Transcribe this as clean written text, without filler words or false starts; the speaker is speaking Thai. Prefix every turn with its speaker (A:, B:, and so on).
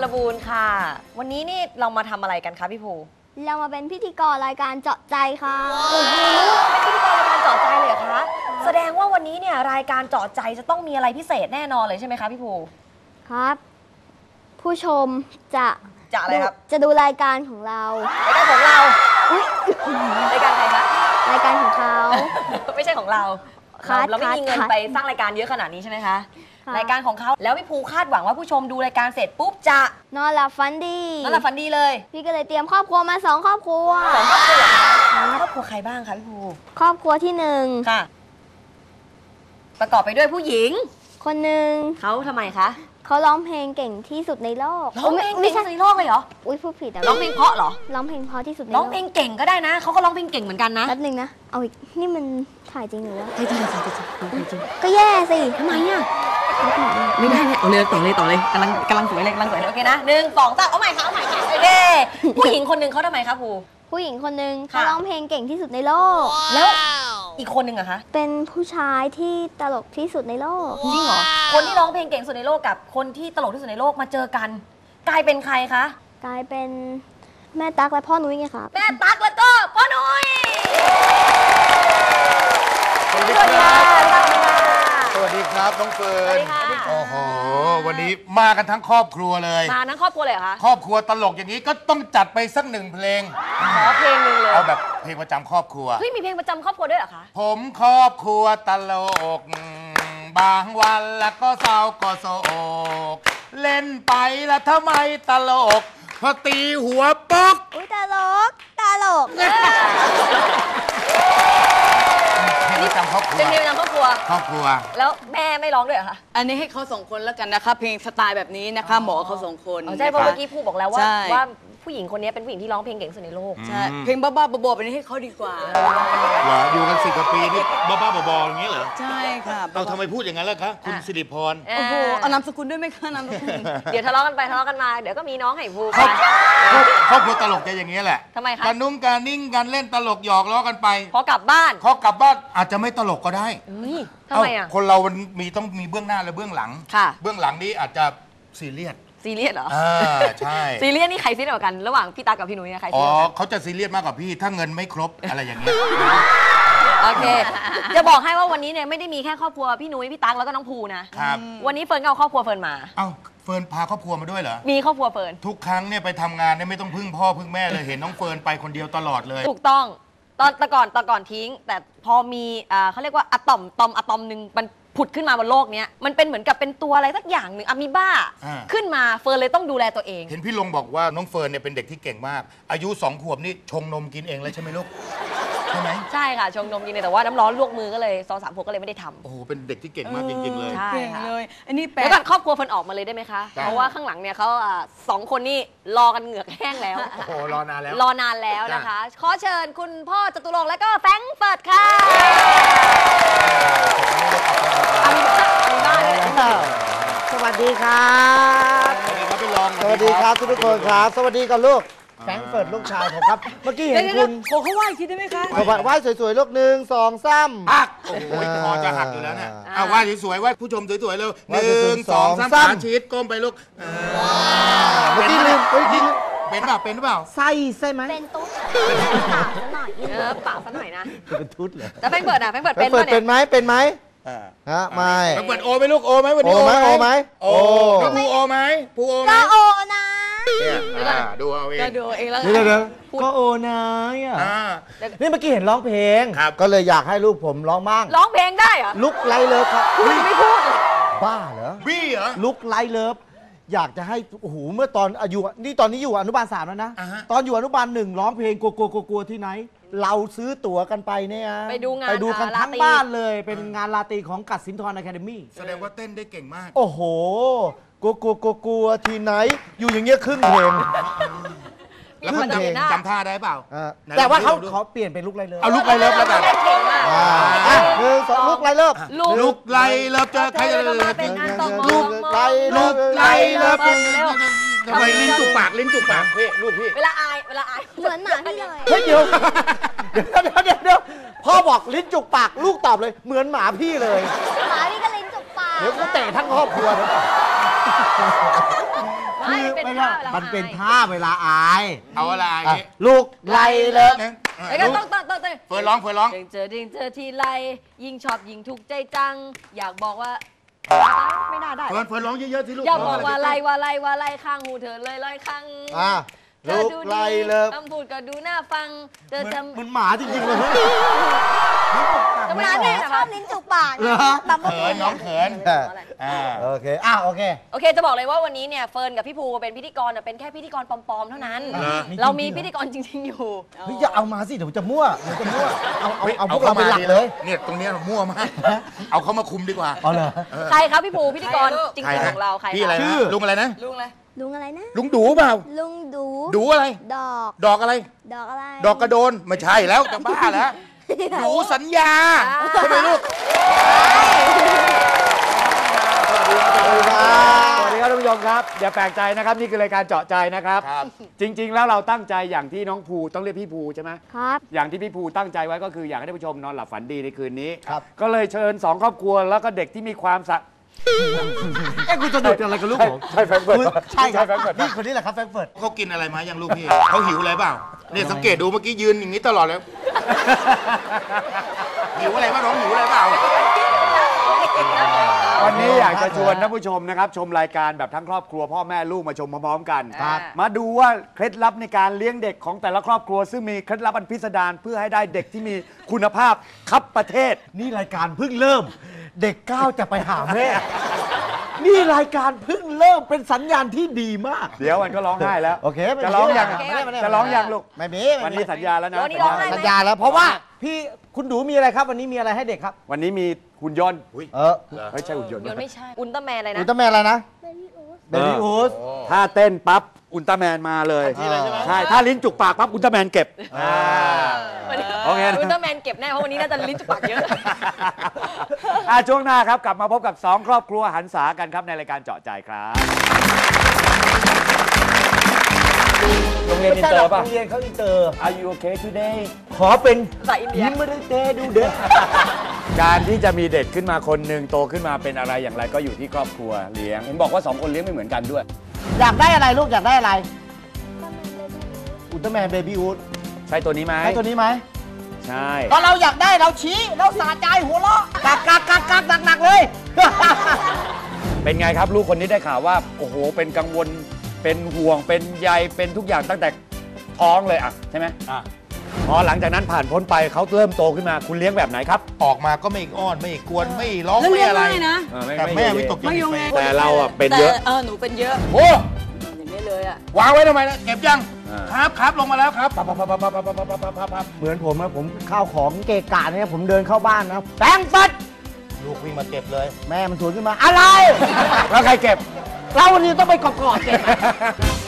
A: ลบูรณ์ค่ะวันนี้นี่เรามาทำอะไรกันคะพี่ภู
B: เรามาเป็นพิธีกรรายการเจาะใจค่ะ
A: โอ้โหเป็นพิธีกรรายการเจาะใจเลยเหรอคะแสดงว่าวันนี้เนี่ยรายการเจาะใจจะต้องมีอะไรพิเศษแน่นอนเลยใช่ไหมคะพี่ภู
B: ครับผู้ชมจะ
A: อะไรครับ
B: จะดูรายการของเรา
A: รายการของเรารายการใครคะ
B: รายการของเขา
A: ไม่ใช่ของเราเราไม่มีเงินไปสร้างรายการเยอะขนาดนี้ใช่ไหมคะรายการของเขาแล้วพี่ภูคาดหวังว่าผู้ชมดูรายการเสร็จปุ๊บจะ
B: นอนหลับฝันดี
A: เลย
B: พี่ก็เลยเตรียมครอบครัวมา2 ครอบครัว
A: ครอบครัวครอบครัวใครบ้างคะพี่ภู
B: ครอบครัวที่1
A: ค่ะประกอบไปด้วยผู้หญิง
B: คนหนึ่ง
A: เขาทำไมคะ
B: เขาร้องเพลงเก่งที่สุดในโลก
A: ร้องเพลงเก่งที่สุดในโลกเลยเหรอ
B: อุ้ยพูดผิด
A: ร้องเพลงเพราะเหรอ
B: ร้องเพลงเพราะที่สุดในโลก
A: ร้องเพลงเก่งก็ได้นะเขาก็ร้องเพลงเก่งเหมือนกันนะ
B: แป๊บนึงนะเอาอีกนี่มันถ่ายจริงหรือวะ
A: จริง
B: ก็แย่สิ
A: ทำไมอ่ะไม่ได้เนี่ยเอาเลยต่อเลยกำลังสวยเลยโอเคนะ1 2 3เอาใหม่ค่ะโอเคผู้หญิงคนหนึ่งเขาทำไมคะ
B: ผู้หญิงคนหนึ่งเขาร้องเพลงเก่งที่สุดในโลก
A: แล้วอีกคนหนึ่งอะคะ
B: เป็นผู้ชายที่ตลกที่สุดในโลก
A: จริงเหรอคนที่ร้องเพลงเก่งสุดในโลกกับคนที่ตลกที่สุดในโลกมาเจอกันกลายเป็นใครคะ
B: กลายเป็นแม่ตั๊กและพ่อนุ้ยไงครับ
A: แม่ตั๊กแล้วก็พ่อนุ้ย
C: สวัสดีครับสวัสดีครับน้องเฟิร์นโอ้โหวันนี้มากันทั้งครอบครัวเลย
A: มาทั้งครอบครัวเลยเหรอคะ
C: ครอบครัวตลกอย่างนี้ก็ต้องจัดไปสัก1 เพลง
A: ขอเพลงนึงเลย
C: เอาแบบเพลงประจำครอบครัว
A: เฮ้ยมีเพลงประจำครอบครัวด้วยเหรอคะ
C: ผมครอบครัวตลกบางวันแล้วก็เศร้าก็โศกเล่นไปแล้วทำไมตลกพอตีหัวป๊อก
B: อุ้ยตลก
C: เพลงประจำครอบครัว
A: เป็นเพลงประจำครอบครัวแล้วแม่ไม่ร้องด้วยเหรอคะ
D: อันนี้ให้เขา2 คนแล้วกันนะคะเพลงสไตล์แบบนี้นะคะเหมาะเขา2 คน
A: ใช่เพราะเมื่อกี้พูดบอกแล้วว่าผู้หญิงคนนี้เป็นผู้หญิงที่ร้องเพลงเก่งสุดในโลก
D: ใช่เพลงบ้าๆบอๆแบบนี้ให้เขาดีกว่า
C: เหรออยู่กัน10 กว่าปีนี่บ้าๆบอๆอย่างนี้เหรอ
D: ใช่ค่ะ
C: เราทำไมพูดอย่างนั้นล่ะคะคุณสิริพร
D: โอ้โหเอานามสกุลด้วยไหมคะนามสกุล
A: เดี๋ยวทะเลาะกันไปทะเลาะกันมาเดี๋ยวก็มีน้องให้พูด
C: ครอบครัวตลกจะอย่างนี้แหละ
A: ทำไมคะ
C: การนุ่งการนิ่งกันเล่นตลกหยอกล้อกันไป
A: พอกลับบ้าน
C: อาจจะไม่ตลกก็ได้
A: ทำไมอ่ะ
C: คนเรามันต้องมีเบื้องหน้าและเบื้องหลัง
A: ค่ะ
C: เบื้องหลังนี้อาจจะซีเรียส
A: เหรอ
C: ใช่
A: ซีเรียสนี่ใครซีเรียสกว่ากันระหว่างพี่ตากับพี่นุ้ยใครซี
C: เรี
A: ยส
C: เขาจะซีเรียสมากกว่าพี่ถ้าเงินไม่ครบอะไรอย่างเงี้ย
A: โอเคจะบอกให้ว่าวันนี้เนี่ยไม่ได้มีแค่ครอบครัวพี่นุ้ยพี่ตั๊กแล้วก็น้องภูนะครับวันนี้เฟิร์นเอาครอบครัวเฟิร์นมา
C: เฟิร์นพาครอบครัวมาด้วยเหรอ
A: มีครอบครัวเฟิร์น
C: ทุกครั้งเนี่ยไปทำงานเนี่ยไม่ต้องพึ่งพ่อพึ่งแม่เลยเห็นน้องเฟิร์นไปคนเดียวตลอดเลย
A: ถูกต้องตอนก่อนทิ้งแต่พอมีเขาเรียกว่าอะตอมหนึ่งมันผุดขึ้นมาบนโลกนี้มันเป็นเหมือนกับเป็นตัวอะไรสักอย่างหนึ่งอะมีบ้าขึ้นมาเฟิร์นเลยต้องดูแลตัวเอง
C: เห็นพี่ลงบอกว่าน้องเฟิร์นเนี่ยเป็นเด็กที่เก่งมากอายุ2 ขวบนี่ชงนมกินเองเลยใช่ไหมลูกใช่ไหม
A: ใช่ค่ะชงนมกินเลยแต่ว่าน้ำร้อนลวกมือก็เลย2-3 ขวบก็เลยไม่ได้ทำ
C: โอ้โหเป็นเด็กที่เก่งมากจริงๆเลย
A: ใช่
D: เลยอันนี้
A: แปลกแล้วก่อนครอบครัวเฟิร์นออกมาเลยได้ไหมคะเพราะว่าข้างหลังเนี่ยเขา2 คนนี่รอกันเหงือกแห้งแล้ว
C: โอ้โหรอนาน
A: แล้วนะคะขอเชิญคุณพ่อจตุรงค์และก็แฟรงก์เฟิร์ตค่ะ
E: สวัสดีครับสวัสดีครับทุกคนครับสวัสดีกับลูกแฟรงก์เฟิร์ตลูกชายผมครับเมื่อกี้เห็นคุณ
D: เขาไหว้คิดได้ไหมคะ
E: ไหว้สวยๆลูก1 2 3
C: หักโอ้โหคอจะหักอยู่แล้วเนี่ยไหว้สวยๆไหว้ผู้ชมสวยๆเร็ว1 2 3ขาชีดก้มไปลูก
E: เมื่อกี้ลืม
C: เป็นหรือเปล่า
E: ใช่ไหม
B: เป็นตุ๊ดปากซะหน่อย
A: ปากซะหน่อยนะ
E: เป็นตุ๊ดเหรอ
A: แต่แฟรงก์เฟิร์ต
E: เป็นไหมไม่
C: เปิดโอไหมลูกโอไหมวันนี้
E: โอไหม
C: โอไหมภูโอไหม
B: ก็โอนะ
C: ดูเอาเอง
D: ก็ดูเองแล้ว
E: ก็โอนะนี่เมื่อกี้เห็นร้องเพลงก็เลยอยากให้ลูกผมร้องบ้าง
A: ร้องเพลงได้เหรอ
E: ลุกไลเลิฟครับ
A: พูดไม่พูด
E: บ้าเหรอ
C: บี้เหรอ
E: ลุกไลเลิฟอยากจะให้โอ้โหเมื่อตอนอายุนี่ตอนนี้อยู่อนุบาล3แล้วนะตอนอยู่อนุบาล1ร้องเพลงกลัวที่ไหนเราซื้อตั๋วกันไปเนี่ย
A: ไปดู
E: กันทั้งบ้านเลยเป็นงานลาตีของกัดสินทรอะคาเดมี่
C: แสดงว่าเต้นได้เก่งมาก
E: โอ้โหกลัวที่ไหนอยู่อย่างเงี้ยครึ่งเพลง
C: แล้วมันจำท่าได้เปล่า
E: แต่ว่าเขาเปลี่ยนเป็นลุกไลเลิฟ
C: เอาลุกไลเลิฟแล้วกัน
A: เก่งมาก
E: 2ลุกไลเลิฟ
C: ลุกไลเลิฟจะใครจะ
A: ลุกไล
C: เลิฟทำไมลิ้นจุกปากพี่ลูกพี่
A: เวลาอาย
B: เหมือนหมาพี่เลย
E: เฮ้ยเดี๋ยวพ่อบอกลิ้นจุกปากลูกตอบเลยเหมือนหมาพี่เลย
B: หมาพี่ก็ลิ้นจุกปาก
E: เดี๋ยวกูเตะทั้งครอบครัวเลย
A: ไม่
E: คือ
A: เป็น
E: ไม่
A: ท่า
E: ใช่
A: เวลา
E: มันเป็น
A: อาย
E: ท่าเวลาอาย
C: เอาอะไร
E: อ่ะลูกไล่เลิก
A: เอ้ยก็ต้อง
C: เฟิร์นร้องเฟิร์นร้อง
A: ดิ่งเจอทีไรยิ่งชอบยิ่งถูกใจจัง อยากบอกว่าไม่น่าได้
C: เฟิร์นร้องเยอะๆสิลูก
A: อยากบอกว่าไล่ข้างหูเธอเลยลอยข้าง
E: อ่ะ
A: เธอ
E: ลูก
A: ดู
E: ไล่
A: ดี
E: เลิก
A: คำพูดก็ดูน่าฟังเธอ
E: เหมือน
A: จำ
E: เหมือนหมาจริงๆเลย
A: ธรรมดาเนี่ย
B: ชอบลิ้นจุกปาก
E: เหรอ
B: แบบว่า
C: เขินน้องเขิน
E: โอเคโอเค
A: โอเคจะบอกเลยว่าวันนี้เนี่ยเฟิร์นกับพี่ภูเป็นพิธีกรเป็นแค่พิธีกรปลอมๆเท่านั้น เรามีพิธีกรจริงๆอยู่
E: เฮ้ยอย่าเอามาสิเดี๋ยวจะมั่วเอาพวกเราเป็นหลักเลย
C: เนี่ยตรงเนี้ยมั่วมากเอาเขามาคุมดีกว่า
E: อ๋อเหรอ
A: ใครครับพี่ภูพิธีกรจริ
C: ใครง
A: ๆ
C: นะ
A: ของเราใคร
C: พี่อะไร
A: ค
C: นะ
A: บ
C: ลุงอะไรนะ
D: ลุงเลย
B: ลุงอะไรนะ
C: ลุงดูเปล่า
B: ลุงดู
C: ดูอะไร
B: ดอก
C: ดอกอะไร
B: ดอกอะไร
C: ดอกกระโดนไม่ใช่แล้วจะบ้าแล้วดูสัญญาใช่ไหมลูก
F: สวัสดีครับท่านผู้ชมครับอย่าแปลกใจนะครับนี่คือรายการเจาะใจนะครับ
C: ครับ
F: จริง ๆ แล้วเราตั้งใจอย่างที่น้องภูต้องเรียกพี่ภูใช่ไหม
B: ครับ
F: อย่างที่พี่ภูตั้งใจไว้ก็คืออยากให้ท่านผู้ชมนอนหลับฝันดีในคืนนี้
E: ครับ
F: ก็เลยเชิญ2ครอบครัวแล้วก็เด็กที่มีความสะ
E: เอ้คุณจะดุดอะไรกับลูกผม
F: ใช่แฟรงก์เฟิร์ต
E: ใช่ครับ
F: แฟรงก์เฟิร์ต
E: นี่คนนี้แหละครับแฟรงก์เฟิร์ต
C: เขากินอะไรมายังลูกพี่เขาหิวอะไรเปล่าเนี่ยสังเกตดูเมื่อกี้ยืนอย่างนี้ตลอดเลยหิวอะไรบ้างน้องหิวอะไรเปล่า
F: วันนี้อยากจะชวนท่านผู้ชมนะครับชมรายการแบบทั้งครอบครัวพ่อแม่ลูกมาชมพร้อมๆกัน
A: ครับ
F: มาดูว่าเคล็ดลับในการเลี้ยงเด็กของแต่ละครอบครัว ซึ่งมีเคล็ดลับอันพิสดารเพื่อให้ได้เด็กที่มีคุณภาพคับประเทศ
E: นี่รายการเพิ่งเริ่ม เด็กก้าวจะไปหาแม่ นี่รายการเพิ่งเริ่มเป็นสัญญาณที่ดีมาก
F: เดี๋ยวมันก็ร้องไห้แล้ว
E: โอเคไม่
F: จะร้องยัง
E: ไม่ได้
F: จะร้องยังลูก
E: ไม่มี
F: วันนี้สัญญาแล้วนะ
A: วันนี้ร้องไห้ไหม
E: สัญญาแล้วเพราะว่าพี่คุณดูมีอะไรครับ วันนี้มีอะไรให้เด็กครับ
F: วันนี้มีหุ่นยนต์ ไม่ใช่หุ่นยนต์
A: ยนต์ไม่ใช่อุลตร้าแมนอะไร
E: อุ
A: นะ
E: ลตร้าแมนอะไรนะเบบี้อูส
F: ถ้าเต้นปั๊บอุลตร้าแมนมาเลย
E: ทันทีเลยใช่ไหม
F: ใช่ถ้าลิ้นจุกปากปั๊บอุลตร้าแมนเก็บ
A: วันนี้
F: โอเคนะ
A: อุลตร้าแมนเก็บแน่เพราะวันนี้น่าจะลิ้นจุกปากเยอะ
F: ช่วงหน้าครับกลับมาพบกับ2ครอบครัวหันษากันครับในรายการเจาะใจครับโรงเรียนอินเตอร์ป่ะ
E: โรงเรียนเขาอินเตอร์
F: Are you okay today
E: ขอเป็น
A: ภาษาอินเดีย
E: ยิ้มไม่ได้เตดูเด็ก
F: การที่จะมีเด็กขึ้นมาคนหนึ่งโตขึ้นมาเป็นอะไรอย่างไรก็อยู่ที่ครอบครัวเลี้ยงเห็นบอกว่า2คนเลี้ยงไม่เหมือนกันด้วย
E: อยากได้อะไรลูกอยากได้อะไรอุลตร้าแมนเบบี้อูส
F: ใช่ตัวนี้ไหม
E: ให้ตัวนี้ไหม
F: ใช่
E: ตอนเราอยากได้เราชี้เราสะใจหัวเราะกักหนักเลย
F: เป็นไงครับลูกคนนี้ได้ข่าวว่าโอ้โหเป็นกังวลเป็นห่วงเป็นใยเป็นทุกอย่างตั้งแต่ท้องเลยอ่ะใช่ไหมพอหลังจากนั้นผ่านพ้นไปเขาเริ่มโตขึ้นมาคุณเลี้ยงแบบไหนครับ
C: ออกมาก็ไม่อ้อนไม่กวนไม่ร้อง
D: แล้ว
C: ไม่
D: เรียก
C: อะไร
D: ง่ายนะ
C: แต่แม่วิตกจ
D: ไม่
C: ริต
D: โยง
C: ไป
D: ไง
F: แต่เราอ่ะเป็น
D: แต่
F: เยอะ
D: หนูเป็นเยอะ
C: โอ้
D: อย่างนี้เลยอ่ะ
C: วางไว้ทำไมนะเก็บยัง
F: อ่า
C: ครับลงมาแล้วครับ
E: เหมือนผมนะผมข้าวของเกะกะเนี่ยผมเดินเข้าบ้านนะแปรงฟัด
C: ลูกวิ่งมาเก็บเลย
E: แม่มันสวนขึ้นมาอะไร
F: แล้วใครเก็บ
E: เราวันนี้ต้องไปกอดเก็บ